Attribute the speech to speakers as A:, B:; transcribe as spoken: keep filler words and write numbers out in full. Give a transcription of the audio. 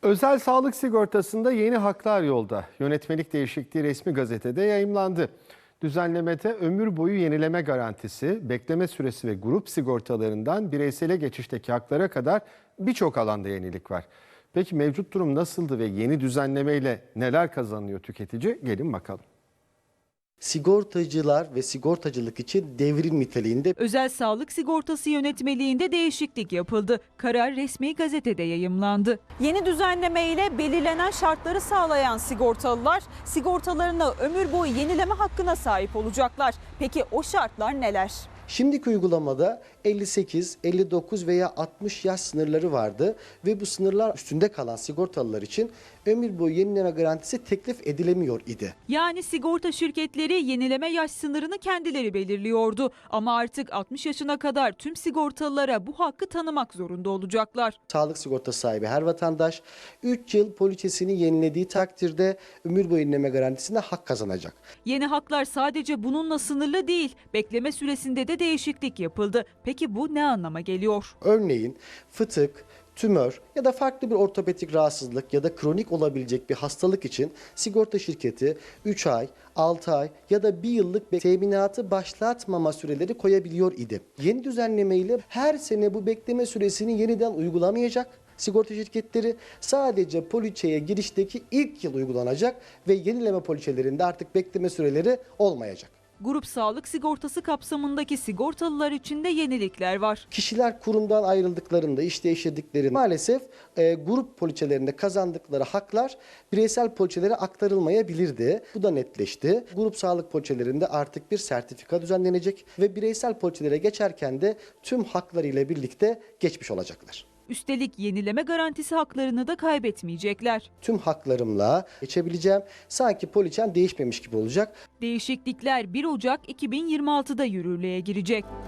A: Özel sağlık sigortasında yeni haklar yolda. Yönetmelik değişikliği resmi gazetede yayımlandı. Düzenlemede ömür boyu yenileme garantisi, bekleme süresi ve grup sigortalarından bireysele geçişteki haklara kadar birçok alanda yenilik var. Peki mevcut durum nasıldı ve yeni düzenlemeyle neler kazanıyor tüketici? Gelin bakalım.
B: Sigortacılar ve sigortacılık için devrim niteliğinde.
C: Özel sağlık sigortası yönetmeliğinde değişiklik yapıldı. Karar resmi gazetede yayımlandı. Yeni düzenleme ile belirlenen şartları sağlayan sigortalılar sigortalarını ömür boyu yenileme hakkına sahip olacaklar. Peki o şartlar neler?
B: Şimdiki uygulamada elli sekiz, elli dokuz veya altmış yaş sınırları vardı ve bu sınırlar üstünde kalan sigortalılar için ömür boyu yenileme garantisi teklif edilemiyor idi.
C: Yani sigorta şirketleri yenileme yaş sınırını kendileri belirliyordu. Ama artık altmış yaşına kadar tüm sigortalılara bu hakkı tanımak zorunda olacaklar.
B: Sağlık sigortası sahibi her vatandaş üç yıl poliçesini yenilediği takdirde ömür boyu yenileme garantisine hak kazanacak.
C: Yeni haklar sadece bununla sınırlı değil. Bekleme süresinde de değişiklik yapıldı. Peki bu ne anlama geliyor?
B: Örneğin fıtık, tümör ya da farklı bir ortopedik rahatsızlık ya da kronik olabilecek bir hastalık için sigorta şirketi üç ay, altı ay ya da bir yıllık teminatı başlatmama süreleri koyabiliyor idi. Yeni düzenleme ile her sene bu bekleme süresini yeniden uygulamayacak. Sigorta şirketleri sadece poliçeye girişteki ilk yıl uygulanacak ve yenileme poliçelerinde artık bekleme süreleri olmayacak.
C: Grup sağlık sigortası kapsamındaki sigortalılar için de yenilikler var.
B: Kişiler kurumdan ayrıldıklarında, iş değiştirdiklerinde maalesef e, grup poliçelerinde kazandıkları haklar bireysel poliçelere aktarılmayabilirdi. Bu da netleşti. Grup sağlık poliçelerinde artık bir sertifika düzenlenecek ve bireysel poliçelere geçerken de tüm haklarıyla birlikte geçmiş olacaklar.
C: Üstelik yenileme garantisi haklarını da kaybetmeyecekler.
B: Tüm haklarımla geçebileceğim. Sanki poliçem değişmemiş gibi olacak.
C: Değişiklikler bir Ocak iki bin yirmi altıda yürürlüğe girecek.